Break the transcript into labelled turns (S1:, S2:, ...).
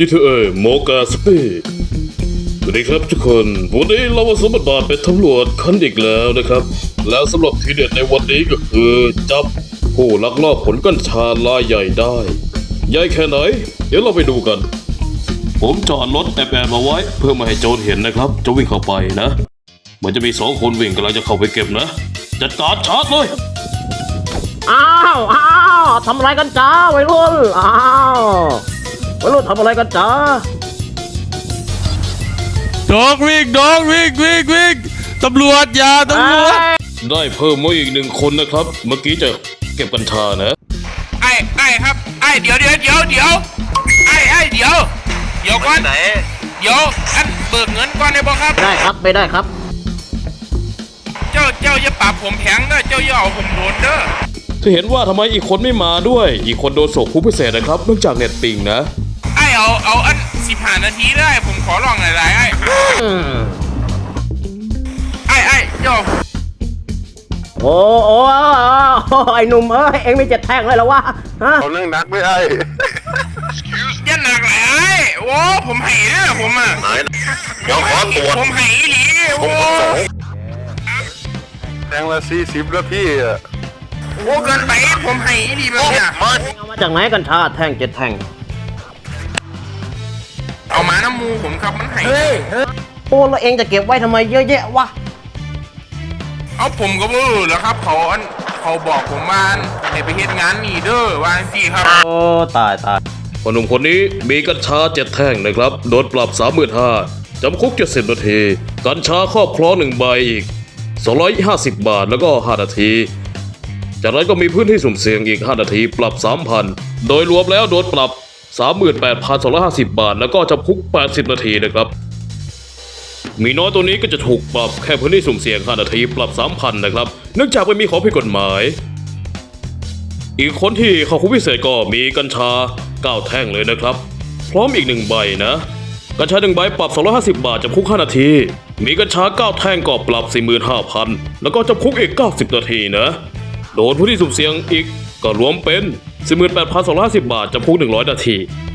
S1: GTA โมกาสปีดสวัสดีครับทุกคนวันนี้เรามาสวมบทบาทเป็นตำรวจคันอีกแล้วนะครับ แล้วสำหรับทีเด็ดในวันนี้ก็คือจับผู้ลักลอบขนกัญชารายใหญ่ได้ใหญ่แค่ไหนเดี๋ยวเราไปดูกัน ผมจอดรถแอบมาไว้เพื่อไม่ให้โจรเห็นนะครับจะวิ่งเข้าไปนะเหมือนจะมี2 คนวิ่งกำลังจะเข้าไปเก็บนะจัดการชาร์จเลย
S2: อ้าวทำอะไรกันจ้าวัยรุ่นวัยรุ่นทำอะไรกันจ้า
S3: ดอกวิ่งตำรวจอย่าตำรวจ
S1: ได้เพิ่มมาอีก1 คนนะครับเมื่อกี้จะเก็บกัญชานะ
S4: ไอ้ครับไอ้เดี๋ยวไอ้เดี๋ยวก่อนเดี๋ยวอันเบิกเงินก่อนได้บ่ครับ
S2: ได้ครับไม่ได้ครับ
S4: เจ้าอย่าปรับผมแพงเด้อเจ้าอย่าเอาผมโดนเด้อ
S1: ถ้าเห็นว่าทำไมอีกคนไม่มาด้วยอีกคนโดนส่งคุกพิเศษนะครับเนื่องจากเน็ตปิงนะ
S4: ไอ้เอาอัน15 นาทีได้ผมขอลองหลายๆไอ้เจ้า
S2: โอ้ไอ้หนุ่มเอ็งไม่เจ็ดแท่งเลยเหรอวะฮะ
S5: เอาเรื่องนักไม่ได้
S4: อย่าหนักหลายโอ้ผมให้เด้อผมอ่ะ
S5: เดี๋ยวขอตรวจ
S4: ผมให้อีหลีโอ้
S5: แทงละ40แล้วพี่อะ
S4: โอ้เกินไปผมให้อีหลีแบบเนี้ย
S2: เอามาจากไหนกัญชาแท่งเจ็ดแท่ง
S4: เอามาน้ำมูผมครับมันให้
S2: โอ้แล้วเอ็งจะเก็บไว้ทำไมเยอะแยะวะ
S4: เอาผมก็บ่รู้แล้วครับเขาบอกผมว่าให้ไปเฮ็ดงานนี่เด้อว่าจังซี่ครับ
S2: โอ้ตาย
S1: พอหนุ่มคนนี้มีกัญชา7 แท่งนะครับโดนปรับ 35,000จำคุก70 นาทีกัญชาครอบครอง1 ใบอีก250 บาทแล้วก็5 นาทีจากนั้นก็มีพื้นที่สุ่มเสี่ยงอีก5 นาทีปรับ 3,000 โดยรวมแล้วโดนปรับ 38,250 บาทแล้วก็จำคุก80 นาทีนะครับมีน้อยตัวนี้ก็จะถูกปรับแค่พื้นที่สุ่มเสี่ยง5 นาทีปรับ 3,000 นะครับเนื่องจากไม่มีของผิดกฎหมายอีกคนที่เข้าคุกพิเศษก็มีกัญชา9 แท่งเลยนะครับพร้อมอีก1 ใบนะกัญชา1 ใบปรับ250 บาทจำคุก5 นาทีมีกัญชา9 แท่งก็ปรับ 45,000 แล้วก็จำคุกอีก90 นาทีนะโดนผู้ที่สุ่มเสี่ยงอีกก็รวมเป็น 18,250 บาทจำคุก100 นาที